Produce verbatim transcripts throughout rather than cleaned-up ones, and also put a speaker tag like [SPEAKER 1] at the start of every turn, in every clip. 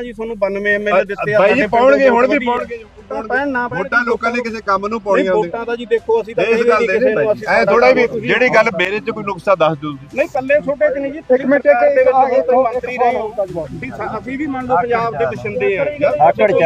[SPEAKER 1] ਵੋਟਾਂ ਜੀ ਤੁਹਾਨੂੰ ਬਾਨਵੇਂ ਐਮਐਲਏ ਦਿੱਤੇ ਆ
[SPEAKER 2] ਬਾਈ ਜੀ ਪਾਉਣਗੇ ਹੁਣ ਵੀ ਪਾਉਣਗੇ
[SPEAKER 1] ਪੈਣ ਨਾ
[SPEAKER 2] ਵੋਟਾਂ ਲੋਕਾਂ ਨੇ ਕਿਸੇ ਕੰਮ ਨੂੰ ਪਾਉਣੀਆਂ ਹੁੰਦੀਆਂ
[SPEAKER 1] ਵੋਟਾਂ ਦਾ ਜੀ ਦੇਖੋ ਅਸੀਂ ਤਾਂ
[SPEAKER 2] ਇਸ ਗੱਲ ਦੇ ਐ ਥੋੜਾ ਵੀ ਜਿਹੜੀ ਗੱਲ ਮੇਰੇ ਚ ਕੋਈ ਨੁਕਸਾ ਦੱਸ ਦਿਓ
[SPEAKER 1] ਨਹੀਂ ਕੱਲੇ ਛੋਟੇ ਚ ਨਹੀਂ ਜੀ ਇੱਕ ਮਿੰਟ ਦੇ ਵਿੱਚ ਮੰਤਰੀ ਰਹੇ ਅਸੀਂ ਵੀ ਮੰਨ ਲਓ ਪੰਜਾਬ ਦੇ ਵਸਿੰਦੇ ਆ
[SPEAKER 2] ਆਕੜ ਚ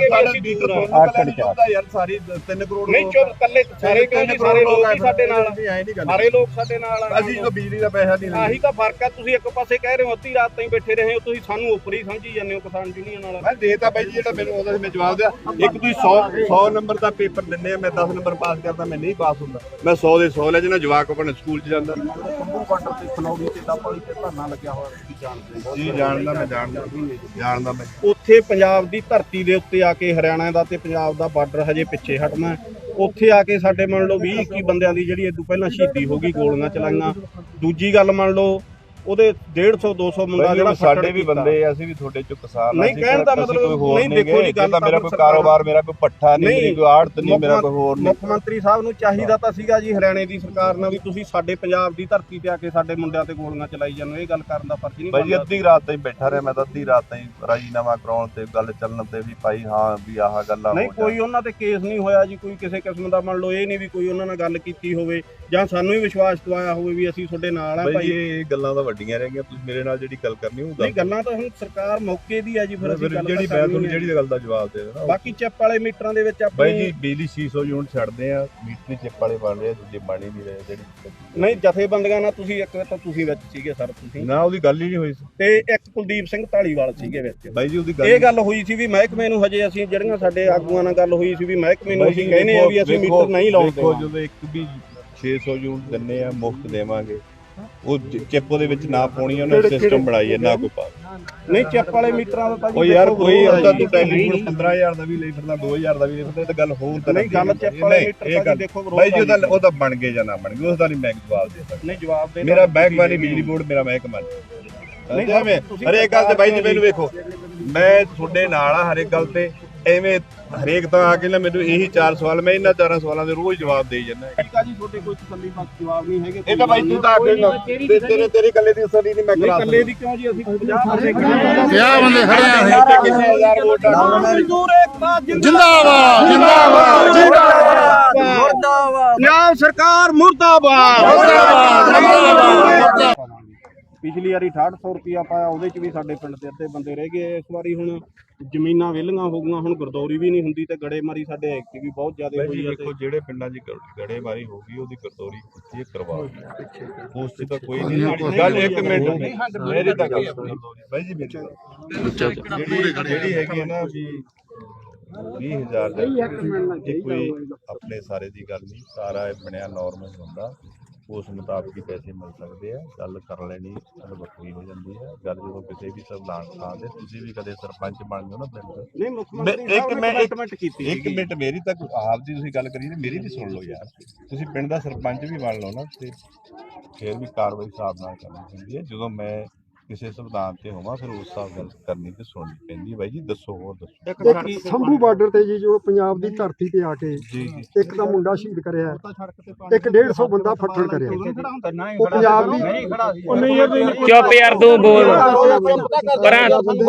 [SPEAKER 2] ਆਕੜ ਚ ਯਾਰ ਸਾਰੀ ਤਿੰਨ ਕਰੋੜ
[SPEAKER 1] ਨਹੀਂ ਚੁੱਪ ਕੱਲੇ ਸਾਰੇ ਕਿਉਂ ਸਾਰੇ ਲੋਕ ਹੀ ਸਾਡੇ ਨਾਲ ਸਾਰੇ ਲੋਕ ਸਾਡੇ ਨਾਲ
[SPEAKER 2] ਅਸੀਂ ਤਾਂ ਬਿਜਲੀ ਦਾ ਪੈਸਾ ਨਹੀਂ
[SPEAKER 1] ਆਹੀ ਤਾਂ ਫਰਕ ਆ ਤੁਸੀਂ ਇੱਕ ਪਾਸੇ ਕਹਿ ਰਹੇ ਹੋ ਅੱਧੀ ਰਾਤ ਤਾਈਂ ਬੈਠੇ ਰਹੇ ਹੋ ਤੁਸੀਂ ਸਾਨੂੰ ਉੱਪਰੀ ਸਮਝੀ ਜਾਂਦੇ ਹੋ ਕਿਸਾਨ ਯੂਨੀਅਨ ਨਾਲ
[SPEAKER 2] ਮੈਂ ਦੇਤਾ ਬਾਈ ਜੀ ਜਿਹੜਾ ਮੈਨੂੰ ਆਉਂਦਾ ਸੀ ਮੈਂ ਜਵਾਬ ਦਿਆ ਇੱਕ ਤੁਸੀਂ ਸੌ ਸੌ ਨੰਬਰ ਦਾ ਪੇਪਰ ਦਿੰਦੇ ਆ ਮੈਂ ਦਸ ਨੰਬਰ ਪਾਸ ਕਰਦਾ ਮੈਂ ਨਹੀਂ ਪਾਸ ਹੁੰਦਾ ਮੈਂ ਸੌ ਦੇ ਸੌ ਲੈ ਜਣਾ ਜਵਾਕ ਆਪਣੇ ਸਕੂਲ ਚ ਜਾਂਦਾ
[SPEAKER 1] ਸੰਭੂ ਬਾਰਡਰ ਤੇ ਖਨੌਰੀ ਤੇ ਦਾਪਾਲੀ ਤੇ ਧਰਨਾ ਲੱਗਿਆ ਹੋਇਆ ਤੁਸੀਂ ਜਾਣਦੇ
[SPEAKER 2] ਜੀ ਜਾਣਦਾ ਮੈਂ ਜਾਣਦਾ ਜਾਣਦਾ ਮੈਂ
[SPEAKER 1] ਉੱਥੇ ਪੰਜਾਬ ਦੀ ਧਰਤੀ ਦੇ ਉੱਤੇ ਆ ਕੇ ਹਰਿਆਣਾ ਦਾ ਤੇ ਪੰਜਾਬ ਦਾ ਬਾਰਡਰ ਹਜੇ ਪਿੱਛੇ ਹਟਣਾ ਉੱਥੇ ਆ ਕੇ ਸਾਡੇ ਮੰਨ ਲਓ ਵੀਹ ਇੱਕੀ ਬੰਦਿਆਂ ਦੀ ਜਿਹੜੀ ਇਦੋਂ ਪਹਿਲਾਂ ਸ਼ਹੀਦੀ ਹੋ ਗਈ ਗੋਲੀਆਂ ਚਲਾਈਆਂ ਦੂਜੀ ਗੱਲ ਮੰਨ ਲਓ ਉਹਦੇ ਡੇਢ ਸੌ ਦੋ ਸੌ ਮੁੰਡਾ ਜਿਹੜਾ
[SPEAKER 2] ਸਾਡੇ ਵੀ ਬੰਦੇ ਅਸੀਂ ਵੀ ਤੁਹਾਡੇ ਚੋਂ ਕਿਸਾਨ
[SPEAKER 1] ਨਹੀਂ ਕਹਿਣ ਦਾ ਮਤਲਬ ਨਹੀਂ ਦੇਖੋ ਜੀ ਗੱਲ
[SPEAKER 2] ਤਾਂ ਮੇਰਾ ਕੋਈ ਕਾਰੋਬਾਰ ਮੇਰਾ ਕੋਈ ਪੱਠਾ ਨਹੀਂ ਮੇਰੀ ਕੋਈ ਆੜਤ ਨਹੀਂ ਮੇਰਾ ਕੋਈ ਹੋਰ ਨਹੀਂ
[SPEAKER 1] ਮੁੱਖ ਮੰਤਰੀ ਸਾਹਿਬ ਨੂੰ ਚਾਹੀਦਾ ਤਾਂ ਸੀਗਾ ਜੀ ਹਰਿਆਣੇ ਦੀ ਸਰਕਾਰ ਨਾਲ ਵੀ ਤੁਸੀਂ ਸਾਡੇ ਪੰਜਾਬ ਦੀ ਧਰਤੀ ਤੇ ਆ ਕੇ ਸਾਡੇ ਮੁੰਡਿਆਂ ਤੇ ਗੋਲੀਆਂ ਚਲਾਈ ਜਾਂਦੇ ਇਹ ਗੱਲ ਕਰਨ ਦਾ ਫਰਜ਼ ਨਹੀਂ
[SPEAKER 2] ਬਾਈ ਅੱਧੀ ਰਾਤ ਤਾਈਂ ਬੈਠਾ ਰਿਹਾ ਮੈਂ ਤਾਂ ਅੱਧੀ ਰਾਤ ਤਾਈਂ ਰਾਜੀਨਾਮਾ ਕਰਾਉਣ ਤੇ ਗੱਲ ਚੱਲਣ ਤੇ ਵੀ ਭਾਈ ਹਾਂ ਵੀ ਆਹ ਗੱਲਾਂ
[SPEAKER 1] ਨਹੀਂ ਕੋਈ ਉਹਨਾਂ ਤੇ ਕੇਸ ਨਹੀਂ ਹੋਇਆ ਜੀ ਕੋਈ ਕਿਸੇ ਕਿਸਮ ਦਾ ਮੰਨ ਲਓ ਇਹ ਨਹੀਂ ਵੀ ਕੋਈ ਉਹਨਾਂ ਨਾਲ ਗੱਲ ਕੀਤੀ ਹੋਵੇ ਜਾਂ ਸਾਨੂੰ ਵੀ ਵਿਸ਼ਵਾਸ ਦਵਾਇਆ ਹੋਵੇ ਵੀ ਅਸੀਂ ਤੁਹਾਡੇ ਨਾਲ ਆ ਭਾਈ
[SPEAKER 2] ਇਹ ਗੱਲਾਂ ਤਾਂ ਵੱਡੀਆਂ ਰਹਿ ਗਈਆਂ ਤੁਸੀਂ ਮੇਰੇ ਨਾਲ ਜਿਹੜੀ ਗੱਲ ਕਰਨੀ ਉਹ
[SPEAKER 1] ਨਹੀਂ ਗੱਲਾਂ ਤਾਂ ਹੁਣ ਸਰਕਾਰ ਮੌਕੇ ਦੀ ਆ ਜੀ ਫਿਰ ਅਸੀਂ
[SPEAKER 2] ਜਿਹੜੀ ਮੈਂ ਤੁਹਾਨੂੰ ਜਿਹੜੀ ਗੱਲ ਦਾ ਜਵਾਬ ਦੇ ਦੇਣਾ
[SPEAKER 1] ਬਾਕੀ ਚਿੱਪ ਵਾਲੇ ਮੀਟਰਾਂ ਦੇ ਵਿੱਚ
[SPEAKER 2] ਬਾਈ ਜੀ ਬਿਜਲੀ ਛੇ ਸੌ ਯੂਨਿਟ ਛੱਡਦੇ ਆ ਮੀਟਰ ਚਿੱਪ ਵਾਲੇ ਬਣ ਰਹੇ ਦੂਜੇ ਬਣ ਹੀ ਨਹੀਂ ਰਹੇ ਜਿਹੜੀ
[SPEAKER 1] ਨਹੀਂ ਜਥੇਬੰਦੀਆਂ ਨਾਲ ਤੁਸੀਂ ਇੱਕ ਤਾਂ ਤੁਸੀਂ ਵਿੱਚ ਸੀਗੇ ਸਰ ਤੁਸੀਂ
[SPEAKER 2] ਨਾ ਉਹਦੀ ਗੱਲ ਹੀ ਨਹੀਂ ਹੋਈ ਸੀ
[SPEAKER 1] ਤੇ ਇੱਕ ਕੁਲਦੀਪ ਸਿੰਘ ਢਾਲੀਵਾਲ ਸੀਗੇ ਵਿੱਚ
[SPEAKER 2] ਬਾਈ ਜੀ ਉਹਦੀ ਗੱਲ
[SPEAKER 1] ਇਹ ਗੱਲ ਹੋਈ ਸੀ ਵੀ ਮਹਿਕਮੇ ਨੂੰ ਹਜੇ ਅਸੀਂ ਜਿਹੜੀਆਂ ਸਾਡੇ ਆਗੂਆਂ ਨਾਲ ਗੱਲ ਹੋਈ ਸੀ ਵੀ ਮਹਿਕਮੇ ਨੂੰ ਅਸੀਂ ਕਹਿੰਦੇ ਆ ਵੀ ਅਸੀਂ ਮੀਟਰ ਨਹੀਂ ਲਾਉਂਦੇ
[SPEAKER 2] ਦੇਖੋ ਜਦੋਂ ਇੱਕ ਵੀ ਛੇ ਸੌ ਯੂਨਿਟ ਦਿੰਨੇ ਆ ਮੁਫਤ ਦੇਵਾਂਗੇ ਉਹ ਚਿੱਪ ਦੇ ਵਿੱਚ ਨਾ ਪਾਉਣੀ ਉਹਨੇ ਸਿਸਟਮ ਬਣਾਈ ਹੈ ਨਾ ਕੋਈ ਪਾ
[SPEAKER 1] ਨਹੀਂ ਚਿੱਪ ਵਾਲੇ ਮੀਟਰਾਂ ਦਾ ਤਾਂ
[SPEAKER 2] ਉਹ ਯਾਰ ਕੋਈ ਉਹਦਾ ਤੂੰ ਟੈਲੀਫੋਨ ਪੰਦਰਾਂ ਹਜ਼ਾਰ ਦਾ ਵੀ ਲਈ ਫਿਰਦਾ ਦੋ ਹਜ਼ਾਰ ਦਾ ਵੀ ਲਈ ਫਿਰਦਾ ਇਹ ਤਾਂ ਗੱਲ ਹੋਰ ਤਾਂ
[SPEAKER 1] ਨਹੀਂ ਗੱਲ ਚਿੱਪ ਵਾਲੇ ਮੀਟਰ ਦਾ ਦੇਖੋ
[SPEAKER 2] ਬਾਈ ਜੀ ਉਹਦਾ ਉਹਦਾ ਬਣ ਗਏ ਜਾਂ ਨਾ ਬਣ ਗਏ ਉਸ ਦਾ ਨਹੀਂ ਮੈਂ ਜਵਾਬ ਦੇ ਸਕਦਾ
[SPEAKER 1] ਨਹੀਂ ਜਵਾਬ ਦੇ
[SPEAKER 2] ਮੇਰਾ ਮਹਿਕਮਾ ਨਹੀਂ ਬਿਜਲੀ ਬੋਰਡ ਮੇਰਾ ਮਹਿਕਮਾ ਨਹੀਂ ਐਵੇਂ ਹਰੇਕ ਗੱਲ ਤੇ ਬਾਈ ਜੀ ਮੈਨੂੰ ਵੇਖੋ ਮੈਂ ਤੁਹਾਡੇ ਨਾਲ ਆ ਹਰੇਕ ਗੱਲ ਤੇ ਐਵੇਂ ਹਰੇਕ ਤਾਂ ਆ ਕੇ ਨਾ ਮੈਨੂੰ ਇਹੀ ਚਾਰ ਸਵਾਲ ਮੈਂ ਇਹਨਾਂ ਚਾਰਾਂ ਸਵਾਲਾਂ ਦੇ ਰੋਜ਼ ਜਵਾਬ ਦੇਈ ਜਾਂਦਾ
[SPEAKER 1] ਠੀਕ ਆ ਜੀ ਤੁਹਾਡੇ ਕੋਈ ਤਸੱਲੀ ਬਖਸ਼ ਜਵਾਬ ਨਹੀਂ ਹੈਗੇ
[SPEAKER 2] ਇਹ ਤਾਂ ਬਾਈ ਤੂੰ ਤਾਂ ਅੱਗੇ ਤੇਰੇ ਤੇਰੇ ਕੱਲੇ ਦੀ ਤਸੱਲੀ ਨਹੀਂ ਮੈਂ ਕਰਾ
[SPEAKER 1] ਕੱਲੇ ਦੀ ਕਿਉਂ ਜੀ ਅਸੀਂ ਪੰਜਾਹ ਬੰਦੇ
[SPEAKER 3] ਪੰਜਾਹ ਬੰਦੇ ਖੜੇ ਆ
[SPEAKER 2] ਕਿੰਨੇ ਹਜ਼ਾਰ ਵੋਟ
[SPEAKER 1] ਮਜ਼ਦੂਰ ਏਕਤਾ
[SPEAKER 3] ਜਿੰਦਾਬਾਦ ਜਿੰਦਾਬਾਦ ਜਿੰਦਾਬਾਦ
[SPEAKER 1] ਮੁਰਦਾਬਾਦ ਪੰਜਾਬ ਸਰਕਾਰ ਮੁਰਦਾਬਾਦ
[SPEAKER 3] ਮੁਰਦਾਬਾਦ
[SPEAKER 1] ਪਿਛਲੀ ਵਾਰੀ ਅਠਾਹਠ ਸੌ ਰੁਪਇਆ ਪਾਇਆ ਉਹਦੇ ਚ ਵੀ ਸਾਡੇ ਪਿੰਡ ਦੇ ਅੱਧੇ ਬੰਦੇ ਰਹਿ ਗਏ ਇਸ ਵਾਰੀ ਹੁਣ ਜ਼ਮੀਨਾਂ ਵਿਹਲੀਆਂ ਹੋ ਗਈਆਂ ਹੁਣ ਗਰਦੌਰੀ ਵੀ ਨਹੀਂ ਹੁੰਦੀ ਤੇ ਗੜੇਮਾਰੀ ਸਾਡੇ ਐਕਟੀ ਵੀ ਬਹੁਤ ਜ਼ਿਆਦਾ ਹੋਈ ਹੈ
[SPEAKER 2] ਦੇਖੋ ਜਿਹੜੇ ਪਿੰਡਾਂ 'ਚ ਗੜੇਮਾਰੀ ਹੋ ਗਈ ਉਹਦੀ ਗਰਦੌਰੀ ਕੀਤੀ ਕਰਵਾ ਉਸ 'ਚ ਤਾਂ ਕੋਈ ਨਹੀਂ ਗੱਲ ਇੱਕ ਮਿੰਟ ਮੇਰੀ ਤਾਂ ਗੱਲ ਬਾਈ ਜੀ ਮੇਰੀ ਜਿਹੜੀ ਜਿਹੜੀ ਹੈਗੀ ਹੈ ਨਾ ਵੀ ਵੀਹ ਹਜ਼ਾਰ ਦਾ ਇਹ ਕੋਈ ਆਪਣੇ ਸਾਰੇ ਦੀ ਗੱਲ ਨਹੀਂ ਸਾਰਾ ਬਣਿਆ ਨਾਰਮਲ ਹੁੰਦਾ ਉਸ ਮੁਤਾਬਕ ਹੀ ਪੈਸੇ ਮਿਲ ਸਕਦੇ ਆ ਗੱਲ ਕਰ ਲੈਣੀ ਗੱਲ ਵੱਖਰੀ ਹੋ ਜਾਂਦੀ ਹੈ ਗੱਲ ਜਦੋਂ ਕਿਸੇ ਵੀ ਸੰਵਿਧਾਨ ਥਾਂ ਤੇ ਤੁਸੀਂ ਵੀ ਕਦੇ ਸਰਪੰਚ ਬਣ ਜਾਓ ਨਾ ਪਿੰਡ
[SPEAKER 1] ਨਹੀਂ ਮੁੱਖ ਮੰਤਰੀ
[SPEAKER 2] ਇੱਕ ਮੈਂ
[SPEAKER 1] ਇੱਕ ਮਿੰਟ ਕੀਤੀ
[SPEAKER 2] ਇੱਕ ਮਿੰਟ ਮੇਰੀ ਤਾਂ ਆਪ ਦੀ ਤੁਸੀਂ ਗੱਲ ਕਰੀ ਮੇਰੀ ਵੀ ਸੁਣ ਲਓ ਯਾਰ ਤੁਸੀਂ ਪਿੰਡ ਦਾ ਸਰਪੰਚ ਵੀ ਬਣ ਲਓ ਨਾ ਤੇ ਫਿਰ ਵੀ ਕਾਰਵਾਈ ਹਿਸਾਬ ਨਾਲ ਕਰਨੀ ਹੁੰਦੀ ਹੈ ਜਦੋਂ ਮੈਂ ਕਿਸੇ ਸੰਵਿਧਾਨ ਤੇ ਹੋਵਾਂ ਫਿਰ ਉਸ ਹਿਸਾਬ ਨਾਲ ਕਰਨੀ ਤੇ ਸੁਣਨੀ ਪੈਂਦੀ ਬਾਈ ਜੀ ਦੱਸੋ ਹੋਰ ਦੱਸੋ
[SPEAKER 4] ਸੰਭੂ ਬਾਰਡਰ ਤੇ ਜੀ ਜੋ ਪੰਜਾਬ ਦੀ ਧਰਤੀ ਤੇ ਆ ਕੇ
[SPEAKER 2] ਜੀ
[SPEAKER 4] ਇੱਕ ਤਾਂ ਮੁੰਡਾ ਸ਼ਹੀਦ ਕਰਿਆ ਇੱਕ ਡੇਢ ਸੌ ਬੰਦਾ ਫੱਟੜ ਕਰਿਆ ਉਹ ਪੰਜਾਬ ਦੀ
[SPEAKER 5] ਚੁੱਪ ਯਾਰ ਤੂੰ ਬੋਲ ਪਰਾਂ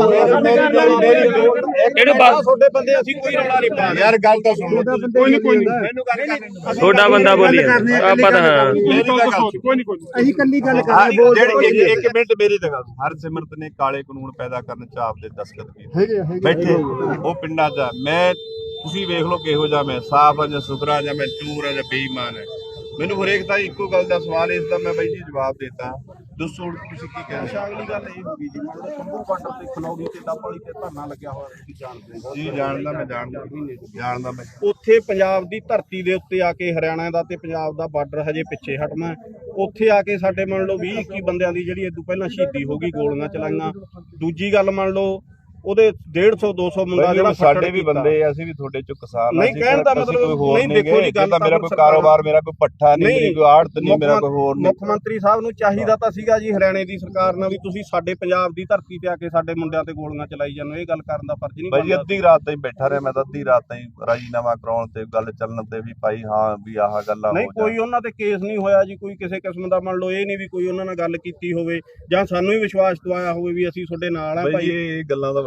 [SPEAKER 5] ਇਹਨੂੰ ਬਸ
[SPEAKER 1] ਤੁਹਾਡੇ ਬੰਦੇ ਅਸੀਂ ਕੋਈ ਰੌਲਾ ਨਹੀਂ ਪਾ
[SPEAKER 2] ਯਾਰ ਗੱਲ ਤਾਂ ਸੁਣ
[SPEAKER 4] ਕੋਈ ਨਹੀਂ ਕੋਈ ਨਹੀਂ
[SPEAKER 2] ਮੈਨੂੰ ਗੱਲ ਕਰ
[SPEAKER 5] ਤੁਹਾਡਾ ਬੰਦਾ ਬੋਲੀ ਆਪਾਂ ਤਾਂ ਹਾਂ
[SPEAKER 4] ਕੋਈ ਨਹੀਂ ਕੋਈ ਅਸੀਂ ਕੱਲੀ ਗੱਲ ਕਰ
[SPEAKER 2] ਜਿਹੜੀ ਇੱਕ ਮਿੰਟ ਮੇਰੀ ਤਾਂ ਗੱਲ ਹਰਸਿਮਰਤ ਨੇ ਕਾਲੇ ਕਾਨੂੰਨ ਪੈਦਾ ਕਰਨ ਚ ਆਪਦੇ ਦਸਤਖਤ ਕੀਤੇ ਬੈਠੇ ਉਹ ਪਿੰਡਾਂ 'ਚ ਮੈਂ ਤੁਸੀਂ ਵੇਖ ਲਓ ਕਿਹੋ ਜਿਹਾ ਮੈਂ ਸਾਫ ਆ ਜਾਂ ਸੁਥਰਾ ਜਾਂ ਮੈਂ ਚੂਰ ਆ ਜਾਂ ਬੇਈਮਾਨ ਹੈ ਮੈਨੂੰ ਹਰੇਕ ਦਾ ਇੱਕੋ ਗੱਲ ਦਾ ਸਵਾਲ ਇਸ ਦਾ ਮੈਂ ਬਾਈ ਜੀ ਜਵਾਬ ਦੇਤਾ ਦੱਸੋ ਤੁਸੀਂ ਕੀ ਕਹਿੰਦੇ
[SPEAKER 1] ਅਗਲੀ ਗੱਲ ਇਹ ਹੋ ਗਈ ਜੀ ਮੰਨ ਲਓ ਸੰਭੂ ਬਾਰਡਰ ਤੇ ਖਨੌਰੀ ਤੇ ਦਾਪਾਲੀ ਤੇ ਧਰਨਾ ਲੱਗਿਆ ਹੋਇਆ ਤੁਸੀਂ ਜਾਣਦੇ ਹੋ
[SPEAKER 2] ਜੀ ਜਾਣਦਾ ਮੈਂ ਜਾਣਦਾ ਜਾਣਦਾ ਮੈਂ
[SPEAKER 1] ਉੱਥੇ ਪੰਜਾਬ ਦੀ ਧਰਤੀ ਦੇ ਉੱਤੇ ਆ ਕੇ ਹਰਿਆਣਾ ਦਾ ਤੇ ਪੰਜਾਬ ਦਾ ਬਾਰਡਰ ਹਜੇ ਪਿੱਛੇ ਹਟਣਾ ਉੱਥੇ ਆ ਕੇ ਸਾਡੇ ਮੰਨ ਲਓ ਵੀਹ ਇੱਕੀ ਬੰਦਿਆਂ ਦੀ ਜਿਹੜੀ ਇਦੋਂ ਪਹਿਲਾਂ ਸ਼ਹੀਦੀ ਹੋ ਗਈ ਗੋਲੀਆਂ ਚਲਾਈਆਂ ਦੂਜੀ ਗੱਲ ਮੰਨ ਲਓ ਉਹਦੇ ਡੇਢ ਸੌ ਦੋ ਸੌ ਮੁੰਡਾ ਜਿਹੜਾ
[SPEAKER 2] ਸਾਡੇ ਵੀ ਬੰਦੇ ਅਸੀਂ ਵੀ ਤੁਹਾਡੇ ਚੋਂ ਕਿਸਾਨ
[SPEAKER 1] ਨਹੀਂ ਕਹਿਣ ਦਾ ਮਤਲਬ ਨਹੀਂ ਦੇਖੋ ਜੀ ਗੱਲ
[SPEAKER 2] ਤਾਂ ਮੇਰਾ ਕੋਈ ਕਾਰੋਬਾਰ ਮੇਰਾ ਕੋਈ ਪੱਠਾ ਨਹੀਂ ਮੇਰੀ ਕੋਈ ਆੜਤ ਨਹੀਂ ਮੇਰਾ ਕੋਈ ਹੋਰ ਨਹੀਂ
[SPEAKER 1] ਮੁੱਖ ਮੰਤਰੀ ਸਾਹਿਬ ਨੂੰ ਚਾਹੀਦਾ ਤਾਂ ਸੀਗਾ ਜੀ ਹਰਿਆਣੇ ਦੀ ਸਰਕਾਰ ਨਾਲ ਵੀ ਤੁਸੀਂ ਸਾਡੇ ਪੰਜਾਬ ਦੀ ਧਰਤੀ ਤੇ ਆ ਕੇ ਸਾਡੇ ਮੁੰਡਿਆਂ ਤੇ ਗੋਲੀਆਂ ਚਲਾਈ ਜਾਂਦੇ ਇਹ ਗੱਲ ਕਰਨ ਦਾ ਫਰਜ਼ ਨਹੀਂ
[SPEAKER 2] ਬਾਈ ਜੀ ਅੱਧੀ ਰਾਤ ਤਾਈਂ ਬੈਠਾ ਰਿਹਾ ਮੈਂ ਤਾਂ ਅੱਧੀ ਰਾਤ ਤਾਈਂ ਰਾਜੀਨਾਮਾ ਕਰਾਉਣ ਤੇ ਗੱਲ ਚੱਲਣ ਤੇ ਵੀ ਭਾਈ ਹਾਂ ਵੀ ਆਹ ਗੱਲਾਂ
[SPEAKER 1] ਨਹੀਂ ਕੋਈ ਉਹਨਾਂ ਤੇ ਕੇਸ ਨਹੀਂ ਹੋਇਆ ਜੀ ਕੋਈ ਕਿਸੇ ਕਿਸਮ ਦਾ ਮੰਨ ਲਓ ਇਹ ਨਹੀਂ ਵੀ ਕੋਈ ਉਹਨਾਂ ਨਾਲ ਗੱਲ ਕੀਤੀ ਹੋਵੇ ਜਾਂ ਸਾਨੂੰ ਵੀ ਵਿਸ਼ਵਾਸ ਦਵਾਇਆ ਹੋਵੇ ਵੀ ਅਸੀਂ ਤੁਹਾਡੇ ਨਾਲ ਆ
[SPEAKER 2] ਭਾਈ ਇਹ ਗੱਲਾਂ ਦਾ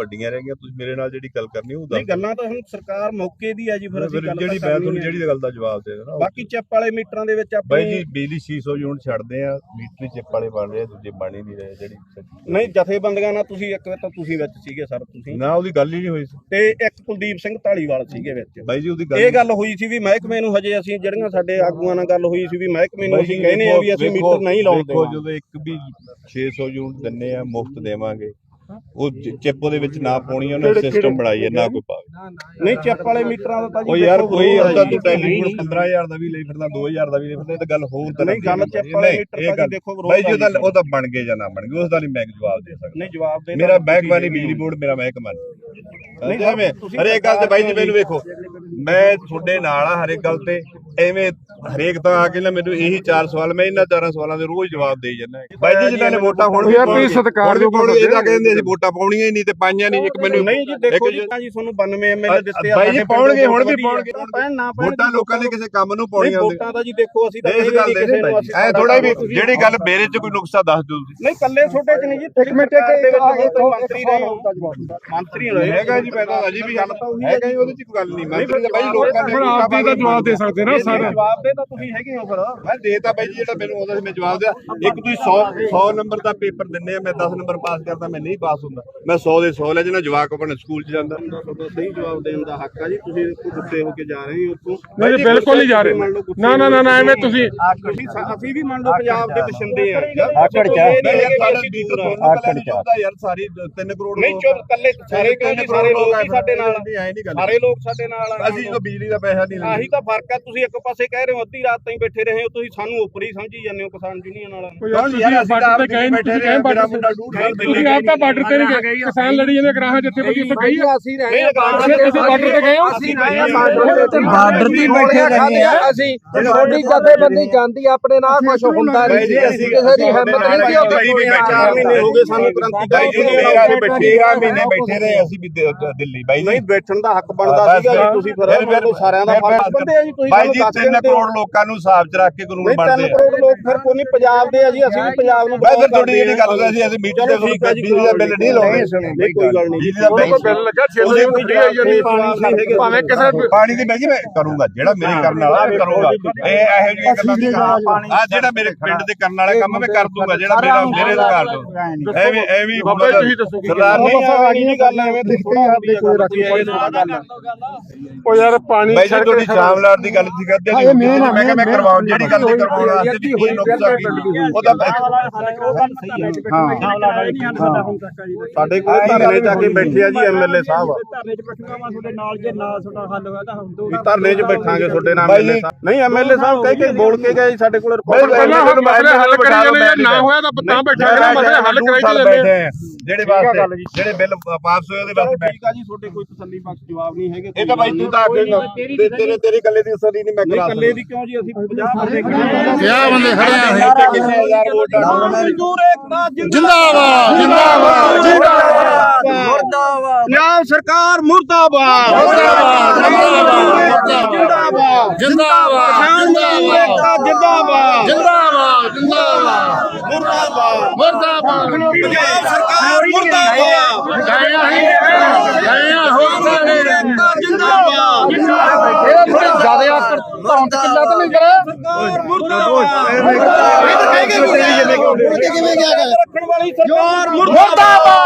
[SPEAKER 2] ਵੱਡੀਆਂ ਰਹਿ ਗਈਆਂ। ਤੁਸੀਂ ਮੇਰੇ ਨਾਲ ਜਿਹੜੀ ਗੱਲ ਕਰਨੀ ਉਹ
[SPEAKER 1] ਨਹੀਂ
[SPEAKER 2] ਦੱਸ
[SPEAKER 1] ਗੱਲਾਂ ਤਾਂ ਹੁਣ ਸਰਕਾਰ ਮੌਕੇ ਦੀ ਆ ਜੀ, ਫਿਰ ਅਸੀਂ
[SPEAKER 2] ਫਿਰ
[SPEAKER 1] ਗੱਲ
[SPEAKER 2] ਜਿਹੜੀ
[SPEAKER 1] ਤਾਂ
[SPEAKER 2] ਮੈਂ
[SPEAKER 1] ਕਰਨੀ
[SPEAKER 2] ਤੁਹਾਨੂੰ
[SPEAKER 1] ਹੈ।
[SPEAKER 2] ਜਿਹੜੀ ਗੱਲ ਦਾ ਜਵਾਬ ਦੇ ਦੇਣਾ।
[SPEAKER 1] ਬਾਕੀ ਚਿੱਪ ਵਾਲੇ ਮੀਟਰਾਂ ਦੇ ਵਿੱਚ
[SPEAKER 2] ਬਾਈ
[SPEAKER 1] ਆਪਣੀ
[SPEAKER 2] ਜੀ ਬਿਜਲੀ ਛੇ ਸੌ ਯੂਨਿਟ ਛੱਡਦੇ ਆ, ਮੀਟਰ ਚਿੱਪ ਵਾਲੇ ਬਣ ਰਹੇ ਆ, ਦੂਜੇ ਬਣ ਹੀ ਨਹੀਂ ਰਹੇ ਜਿਹੜੀ
[SPEAKER 1] ਨਹੀਂ ਜਥੇਬੰਦੀਆਂ ਨਾਲ ਤੁਸੀਂ ਇੱਕ ਵਾਰ ਤਾਂ ਤੁਸੀਂ ਵਿੱਚ ਸੀਗੇ ਸਰ, ਤੁਸੀਂ
[SPEAKER 2] ਨਾ ਉਹਦੀ ਗੱਲ ਹੀ ਨਹੀਂ ਹੋਈ ਸੀ
[SPEAKER 1] ਤੇ ਇੱਕ ਕੁਲਦੀਪ ਸਿੰਘ ਢਾਲੀਵਾਲ ਸੀਗੇ ਵਿੱਚ।
[SPEAKER 2] ਬਾਈ ਜੀ ਉਹਦੀ ਗੱਲ
[SPEAKER 1] ਇਹ ਗੱਲ ਹੋਈ ਸੀ ਵੀ ਮਹਿਕਮੇ ਨੂੰ ਹਜੇ ਅਸੀਂ ਜਿਹੜੀਆਂ ਸਾਡੇ ਆਗੂਆਂ ਨਾਲ ਗੱਲ ਹੋਈ ਸੀ ਵੀ ਮਹਿਕਮੇ ਨੂੰ ਅਸੀਂ ਕਹਿੰਦੇ ਆ ਵੀ ਅਸੀਂ ਮੀਟਰ ਨਹੀਂ ਲਾਉਂਦੇ।
[SPEAKER 2] ਦੇਖੋ ਜਦੋਂ ਇੱਕ ਵੀ ਛੇ ਸੌ ਯੂਨਿਟ ਦਿੰਨੇ ਆ ਮੁਫਤ ਦੇਵਾਂਗੇ, ਉਹ ਚਿੱਪ ਉਹਦੇ ਵਿੱਚ ਨਾ ਪਾਉਣੀ ਉਹਨੇ ਸਿਸਟਮ ਬਣਾਈ ਹੈ ਨਾ ਕੋਈ ਪਾਵੇ।
[SPEAKER 1] ਨਹੀਂ ਚਿੱਪ ਵਾਲੇ ਮੀਟਰਾਂ ਦਾ ਤਾਂ ਜੀ
[SPEAKER 2] ਉਹ ਯਾਰ
[SPEAKER 1] ਦੇਖੋ
[SPEAKER 2] ਕੋਈ
[SPEAKER 1] ਵਿਰੋਧ
[SPEAKER 2] ਉਹਦਾ
[SPEAKER 1] ਹੈ ਜੀ।
[SPEAKER 2] ਤੂੰ ਟੈਲੀਫੋਨ ਪੰਦਰਾਂ ਹਜ਼ਾਰ ਦਾ ਵੀ ਲਈ ਫਿਰਦਾ, ਦੋ ਹਜ਼ਾਰ ਦਾ ਵੀ ਲਈ ਫਿਰਦਾ, ਇਹ ਤਾਂ ਗੱਲ ਹੋਰ ਤਰ੍ਹਾਂ
[SPEAKER 1] ਨਹੀਂ ਗੱਲ ਚਿੱਪ ਵਾਲੇ ਮੀਟਰ ਦਾ ਜੀ ਦੇਖੋ ਵਿਰੋਧ
[SPEAKER 2] ਬਾਈ ਜੀ
[SPEAKER 1] ਹੈ
[SPEAKER 2] ਉਹਦਾ
[SPEAKER 1] ਜੀ।
[SPEAKER 2] ਉਹਦਾ ਬਣ ਗਏ ਜਾਂ ਨਾ ਬਣ ਗਏ ਉਸ ਦਾ ਨਹੀਂ ਮੈਂ ਜਵਾਬ ਦੇ ਸਕਦਾ।
[SPEAKER 1] ਨਹੀਂ ਜਵਾਬ ਦੇ
[SPEAKER 2] ਮੇਰਾ ਮਹਿਕਮਾ ਨਹੀਂ ਬਿਜਲੀ ਬੋਰਡ, ਮੇਰਾ ਮਹਿਕਮਾ ਨਹੀਂ ਐਵੇਂ ਹਰੇਕ ਗੱਲ ਤੇ ਬਾਈ ਜੀ ਮੈਨੂੰ ਵੇਖੋ ਮੈਂ ਤੁਹਾਡੇ ਨਾਲ ਆ ਹਰੇਕ ਗੱਲ ਤੇ, ਐਵੇਂ ਹਰੇਕ ਤਾਂ ਆ ਕੇ ਨਾ ਮੈਨੂੰ ਇਹੀ ਚਾਰ ਸਵਾਲ ਮੈਂ ਇਹਨਾਂ ਚਾਰਾਂ ਸਵਾਲਾਂ ਦੇ ਰੋਜ਼ ਜਵਾਬ ਦੇਈ ਜਾਂਦਾ ਬਾਈ ਜੀ ਜਿਨ੍ਹਾਂ ਨੇ ਵੋਟਾਂ ਹੁਣ
[SPEAKER 4] ਯਾਰ ਤੁਸੀਂ ਸਤਿਕਾਰਯੋਗ
[SPEAKER 2] ਹੁਣ ਇਹਦਾ ਕਹਿੰਦੇ ਅਸੀਂ ਵੋਟਾਂ ਪਾਉਣੀਆਂ ਹੀ ਨਹੀਂ ਤੇ ਪਾਈਆਂ ਨਹੀਂ। ਇੱਕ ਮੈਨੂੰ
[SPEAKER 1] ਨਹੀਂ ਜੀ ਦੇਖੋ ਜੀ ਤਾਂ ਜੀ ਤੁਹਾਨੂੰ ਬਾਨਵੇਂ ਐਮਐਲਏ ਦਿੱਤੇ ਆ
[SPEAKER 2] ਬਾਈ ਜੀ ਪਾਉਣਗੇ ਹੁਣ ਵੀ ਪਾਉਣਗੇ,
[SPEAKER 1] ਪੈਣ ਨਾ ਪੈਣ
[SPEAKER 2] ਵੋਟਾਂ ਲੋਕਾਂ ਨੇ ਕਿਸੇ ਕੰਮ ਨੂੰ ਪਾਉਣੀਆਂ ਹੁੰਦੀਆਂ।
[SPEAKER 1] ਵੋਟਾਂ ਦਾ ਜੀ ਦੇਖੋ ਅਸੀਂ ਤਾਂ
[SPEAKER 2] ਇਸ ਗੱਲ ਦੇ ਐ ਥੋੜਾ ਵੀ ਜਿਹੜੀ ਗੱਲ ਮੇਰੇ 'ਚ ਕੋਈ ਨੁਕਸਾ ਦੱਸ ਦਿਓ ਤੁਸੀਂ।
[SPEAKER 1] ਨਹੀਂ ਕੱਲੇ ਛੋਟੇ ਚ ਨਹੀਂ ਜੀ, ਇੱਕ ਮਿੰਟ ਦੇ ਵਿੱਚ ਮੰਤਰੀ ਰਹੇ ਹੋ, ਮੰਤਰੀ ਰਹੇ
[SPEAKER 2] ਹੈਗਾ ਜੀ ਮੈਂ ਤਾਂ ਅਜੀ ਵੀ ਗੱਲ ਤਾਂ ਉਹੀ ਹੈਗਾ ਜੀ, ਉਹਦੇ 'ਚ ਕੋਈ ਗੱਲ ਨਹੀਂ। ਮੈਂ ਬਾਈ ਲੋਕਾਂ ਨੇ
[SPEAKER 4] ਆਪ ਦੀ ਤਾਂ ਜਵਾਬ ਦੇ ਸਕਦੇ ਨਾ ਸਾਰਾ।
[SPEAKER 1] ਜਵਾਬ ਦੇ ਤਾਂ ਤੁਸੀਂ ਹੈਗੇ ਹੋ ਫਿਰ।
[SPEAKER 2] ਮੈਂ ਦੇਤਾ ਬਾਈ ਜੀ ਜਿਹੜਾ ਮੈਨੂੰ ਆਉਂਦਾ ਸੀ ਮੈਂ ਜਵਾਬ ਦਿਆ। ਇੱਕ ਤੁਸੀਂ ਸੌ ਸੌ ਨੰਬਰ ਦਾ ਪੇਪਰ ਦਿੰਦੇ ਆ, ਮੈਂ ਦਸ ਨੰਬਰ ਪਾਸ ਕਰਦਾ, ਮੈਂ ਨਹੀਂ ਪਾਸ ਹੁੰਦਾ, ਮੈਂ ਸੌ ਦੇ ਸੌ ਲੈ ਜਾਣਾ, ਜਵਾਕ ਆਪਣੇ ਸਕੂਲ 'ਚ ਜਾਂਦਾ।
[SPEAKER 1] ਤੁਹਾਡਾ ਸਹੀ ਜਵਾਬ ਦੇਣ ਦਾ ਹੱਕ ਆ ਜੀ, ਤੁਸੀਂ ਗੁੱਸੇ ਹੋ ਕੇ ਜਾ ਰਹੇ ਹੋ ਉੱਥੋਂ।
[SPEAKER 4] ਨਹੀਂ ਬਿਲਕੁਲ ਨਹੀਂ ਜਾ ਰਹੇ। ਨਾ ਨਾ ਨਾ ਐਵੇਂ ਤੁਸੀਂ
[SPEAKER 1] ਅਸੀਂ ਅਸੀਂ ਵੀ ਮੰਨ ਲਓ ਪੰਜਾਬ ਦੇ ਵਸਿੰਦੇ ਆ।
[SPEAKER 2] ਆਕੜ ਚ ਆਕੜ ਚ ਯਾਰ ਸਾਰੀ ਤਿੰਨ ਕਰੋੜ
[SPEAKER 1] ਨਹੀਂ ਚੁੱਪ ਕੱਲੇ ਸਾਰੇ ਕਹਿੰਦੇ ਸਾਰੇ ਲੋਕ ਹੀ ਸਾਡੇ ਨਾਲ,
[SPEAKER 2] ਐ ਨਹੀਂ ਗੱਲ,
[SPEAKER 1] ਸਾਰੇ ਲੋਕ ਸਾਡੇ ਨਾਲ ਆ।
[SPEAKER 2] ਅਸੀਂ ਜਦੋਂ ਬਿਜਲੀ ਦਾ ਪੈਸਾ ਨਹੀਂ
[SPEAKER 1] ਆਹੀ ਤਾਂ ਫਰਕ ਆ। ਤੁਸੀਂ ਇੱਕ ਪਾਸੇ ਕਹਿ ਰਹੇ ਹੋ ਅੱਧੀ ਰਾਤ ਤਾਈਂ ਬੈਠੇ ਰਹੇ ਹੋ, ਤੁਸੀਂ ਸਾਨੂੰ ਉੱਪਰ ਹੀ ਸਮਝੀ ਜਾਂਦੇ ਹੋ ਕਿਸਾਨ ਯੂਨੀਅਨ ਵਾਲਾ।
[SPEAKER 2] ਯਾਰ ਅਸੀਂ ਤਾਂ ਬੈਠੇ ਰਹੇ ਮੇਰਾ ਮੁੰਡਾ ਡੂਢ ਸਾਲ
[SPEAKER 4] ਤੁਸੀਂ ਆਪ ਤਾਂ ਬਾਰਡਰ ਤੇ ਨਹੀਂ ਗਏ, ਕਿਸਾਨ ਲੜੀ ਜਾਂਦੇ ਗਰਾਹਾਂ ਜਥੇਬੰਦੀ ਉੱਥੇ ਗਈ ਆ।
[SPEAKER 1] ਅਸੀਂ ਰਹੇ
[SPEAKER 4] ਤੁਸੀਂ ਬਾਰਡਰ ਤੇ ਗਏ ਹੋ?
[SPEAKER 1] ਅਸੀਂ ਰਹੇ ਬਾਰਡਰ
[SPEAKER 6] ਬਾਰਡਰ ਤੇ ਬੈਠੇ ਰਹੇ ਆ ਅਸੀਂ। ਛੋਟੀ ਜਥੇਬੰਦੀ ਜਾਂਦੀ ਆਪਣੇ ਨਾਲ ਕੁਝ ਹੁੰਦਾ ਨਹੀਂ ਸੀ, ਅਸੀਂ ਕਿਸੇ ਦੀ ਹਿੰਮਤ ਨਹੀਂ ਸੀ। ਉਹ
[SPEAKER 1] ਚਾਰ ਮਹੀਨੇ ਹੋ ਗਏ ਸਾਨੂੰ ਕ੍ਰਾਂਤੀਕਾਰੀ
[SPEAKER 2] ਤੇਰਾਂ ਮਹੀਨੇ ਬੈਠੇ ਰਹੇ ਅਸੀਂ ਵੀ ਦਿੱਲੀ ਬਾਈ
[SPEAKER 1] ਨਹੀਂ ਬੈਠਣ ਦਾ ਹੱਕ ਬਣਦਾ ਸੀਗਾ ਜੀ। ਤੁਸੀਂ ਫਿਰ ਮੈਨੂੰ ਸਾਰਿਆਂ ਦਾ ਫਰਜ਼ ਬੰਦੇ ਆ ਜੀ। ਤੁਸੀਂ
[SPEAKER 2] ਬਾਈ ਜੀ ਤਿੰਨ ਕਰੋੜ ਲੋਕਾਂ ਨੂੰ ਹਿਸਾਬ 'ਚ ਰੱਖ ਕੇ ਕਾਨੂੰਨ ਬਣਦੇ
[SPEAKER 1] ਤਿੰਨ ਕਰੋੜ ਲੋਕ ਫਿਰ ਕੋਈ ਨਹੀਂ ਪੰਜਾਬ ਦੇ ਆ ਜੀ। ਅਸੀਂ ਵੀ ਪੰਜਾਬ ਨੂੰ
[SPEAKER 2] ਮੈਂ ਫਿਰ ਤੁਹਾਡੀ ਜਿਹੜੀ ਗੱਲ ਕਰ ਸੀ ਅਸੀਂ ਮੀਟਰ ਦੇ ਬਿਜਲੀ ਦਾ ਬਿੱਲ ਨਹੀਂ ਲਾਉਂਦੇ।
[SPEAKER 1] ਨਹੀਂ ਕੋਈ ਗੱਲ ਨਹੀਂ,
[SPEAKER 2] ਬਿਜਲੀ ਦਾ ਬਿੱਲ
[SPEAKER 4] ਲੱਗਾ ਛੇ ਸੌ ਯੂਨਿਟ ਆਈ ਜਾਂਦੀ ਭਾਵੇਂ ਕਿਸੇ
[SPEAKER 2] ਪਾਣੀ ਦੀ ਬਾਈ ਜੀ ਮੈਂ ਕਰੂੰਗਾ ਜਿਹੜਾ ਮੇਰੇ ਕਰਨ ਵਾਲਾ ਮੈਂ ਕਰੂੰਗਾ। ਇਹ ਇਹੋ ਜਿਹੀਆਂ ਗੱਲਾਂ ਨਹੀਂ ਕਰਦਾ। ਆ ਜਿਹੜਾ ਮੇਰੇ ਪਿੰਡ ਦੇ ਕਰਨ ਵਾਲਾ ਕੰਮ ਮੈਂ ਕਰ ਦੂੰਗਾ, ਜਿਹੜਾ ਮੇਰਾ ਮੇਰੇ ਅਧਿਕਾਰ ਤੋਂ ਐਵੇਂ ਐਵੇਂ ਸਰਦਾਰ ਨਹੀਂ ਆ ਜੀ ਗੱਲ ਐਵੇਂ ਤੇ ਥੋੜਾ ਹੱਥ ਕੋਈ ਰੱਖੀ
[SPEAKER 4] ਉਹ ਯਾਰ ਪਾਣੀ
[SPEAKER 2] ਬਾਈ ਜੀ ਤੁਹਾਡੀ ਸ਼ਾਮਲਾਟ ਦੀ ਗੱਲ ਸੀ ਕਰਦੇ ਜੀ ਮੈਂ ਕਿਹਾ ਮੈਂ ਕਰਵਾਉਂ ਜਿਹੜੀ ਗੱਲ ਤੇ ਕਰਵਾਉਣ ਵਾਸਤੇ ਵੀ ਕੀ ਨੁਕਸਾ ਕੀ ਉਹਦਾ
[SPEAKER 1] ਸਾਡੇ ਕੋਲ ਧਰਨੇ ਜਾ ਕੇ ਬੈਠੇ ਆ ਜੀ ਐਮਐਲਏ ਸਾਹਿਬ।
[SPEAKER 6] ਧਰਨੇ 'ਚ ਬੈਠੂਗਾ ਮੈਂ ਤੁਹਾਡੇ ਨਾਲ, ਜੇ ਨਾ ਤੁਹਾਡਾ ਹੱਲ ਹੋਇਆ ਤਾਂ ਹਮ ਤੋਂ
[SPEAKER 1] ਵੀ ਧਰਨੇ 'ਚ ਬੈਠਾਂਗੇ ਤੁਹਾਡੇ ਨਾਲ ਐਮਐਲਏ ਸਾਹਿਬ। ਨਹੀਂ ਐਮਐਲਏ ਸਾਹਿਬ ਕਹਿ ਕੇ ਬੋਲ ਕੇ ਗਏ ਸਾਡੇ ਕੋਲ ਰਿਪੋਰਟ।
[SPEAKER 4] ਪਹਿਲਾਂ ਮਸਲੇ ਹੱਲ ਕਰੀ ਜਾਂਦੇ, ਨਾ ਹੋਇਆ ਤਾਂ ਤਾਂ ਬੈਠਾਂਗੇ ਨਾ, ਮਸਲੇ ਹੱਲ ਕਰਾਈ ਜਾਂਦੇ ਆ।
[SPEAKER 2] ਜਿਹੜੇ ਵਾਸਤੇ ਜਿਹੜੇ ਬਿੱਲ ਵਾਪਸ ਹੋਏ ਉਹਦੇ ਵਾਸਤੇ
[SPEAKER 1] ਠੀਕ ਆ ਜੀ, ਤੁਹਾਡੇ ਕੋਈ ਤਸੱਲੀ ਬਖਸ਼ ਜਵਾਬ ਨਹੀਂ ਹੈਗੇ।
[SPEAKER 2] ਇਹ ਤਾਂ ਬਾਈ ਤੂੰ ਤਾਂ ਅੱਗੇ ਤੇਰੇ ਤੇਰੀ ਗੱਲੇ ਦੀ ਅਸਰ ਹੀ ਨਹੀਂ ਮੈਂ ਕਰਾ ਸਕਦਾ।
[SPEAKER 1] ਇਕੱਲੇ ਦੀ ਕਿਉਂ ਜੀ, ਅਸੀਂ ਪੰਜਾਹ ਬੰਦੇ ਖੜੇ
[SPEAKER 3] ਕਿਆ ਬੰਦੇ ਖੜੇ ਆ
[SPEAKER 2] ਕਿਸੇ ਹਜ਼ਾਰ ਵੋਟਾਂ
[SPEAKER 1] ਮਜ਼ਦੂਰ ਏਕਤਾ
[SPEAKER 3] ਜਿੰਦਾਬਾਦ ਜਿੰਦਾਬਾਦ ਜਿੰਦਾਬਾਦ
[SPEAKER 1] ਮੁਰਦਾਬਾਦ, ਪੰਜਾਬ ਸਰਕਾਰ ਮੁਰਦਾਬਾਦ
[SPEAKER 3] ਜਿੰਦਾਬਾਦ
[SPEAKER 1] ਜਿੰਦਾਬਾਦ,
[SPEAKER 3] ਜਿੰਦਾਬਾਦ
[SPEAKER 1] ਕਿਸਾਨ ਮਜ਼ਦੂਰ ਏਕਤਾ ਜਿੰਦਾਬਾਦ
[SPEAKER 3] ਜਿੰਦਾਬਾਦ ਜਿੰਦਾਬਾਦ
[SPEAKER 1] ਮੁਰਦਾਬਾਦ,
[SPEAKER 3] ਮੁਰਦਾਬਾਦ
[SPEAKER 1] ਪੰਜਾਬ ਸਰਕਾਰ ਮੁਰਦਾਬਾਦ,
[SPEAKER 3] ਗਾਇਆ ਹੀ ਗਾਇਆ ਹੋ ਸਾਰੇ
[SPEAKER 1] ਏਕਤਾ ਜਿੰਦਾਬਾਦ,
[SPEAKER 6] ਇਹ ਥੋੜੀ ਜ਼ਿਆਦਾ ਆਕੜ ਧੌਣ ਤੇ ਕਿੱਲਾ ਤਾਂ ਨਹੀਂ ਕਰਾ।
[SPEAKER 1] ਸਰਕਾਰ ਮੁਰਦਾਬਾਦ, ਰੱਖਣ ਵਾਲੀ ਸਰਕਾਰ ਮੁਰਦਾਬਾਦ।